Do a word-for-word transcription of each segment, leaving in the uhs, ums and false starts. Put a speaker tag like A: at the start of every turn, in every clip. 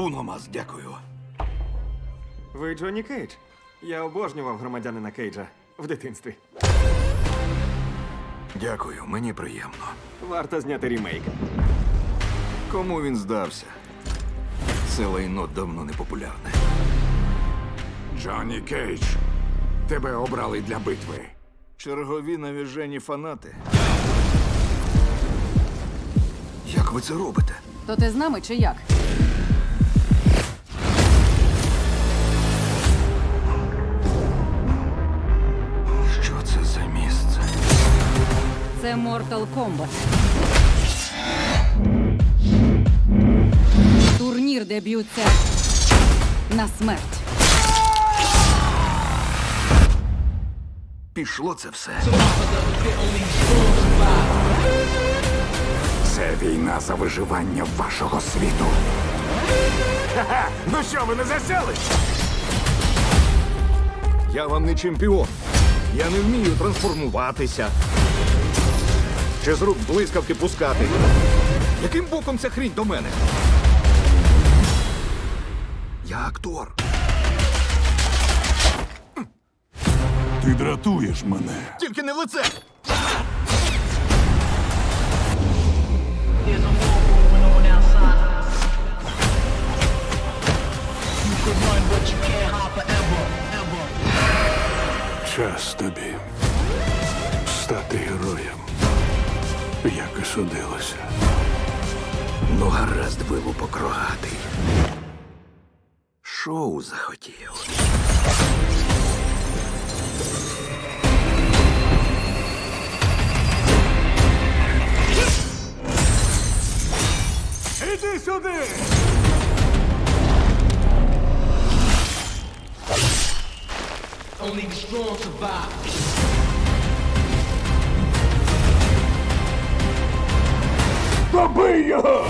A: Уномас, дякую.
B: Ви Джонні Кейдж? Я обожнював громадянина Кейджа в дитинстві.
A: Дякую, мені приємно.
B: Варто зняти рімейк.
A: Кому він здався? Це лайно давно не популярне.
C: Джонні Кейдж, тебе обрали для битви.
A: Чергові навіжені фанати. Як ви це робите?
D: То ти з нами чи як?
A: Що це за місце?
D: Це Mortal Kombat. Турнір, де б'ються на смерть.
A: Пішло це все.
C: Це війна за виживання вашого світу. Ха-ха! Ну що, ви не засяли?
A: Я вам не чемпіон. Я не вмію трансформуватися. Чи з рук блискавки пускати. Яким боком ця хрінь до мене? Я актор.
E: Ти дратуєш мене.
A: Тільки не в лице.
F: There's a war going on outside. You could run, but you can't hide forever, ever.
E: Час тобі стати героєм, як і судилося.
A: Ну, гаразд, вилупок рогатий. Шоу захотів.
C: Іди сюди!
F: Only the strong survive.
C: Добий його!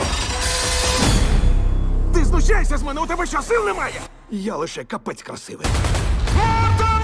C: Ти знущайся з мене, у тебе що, сил немає?
A: Я лише капець красивий.
C: Спарта!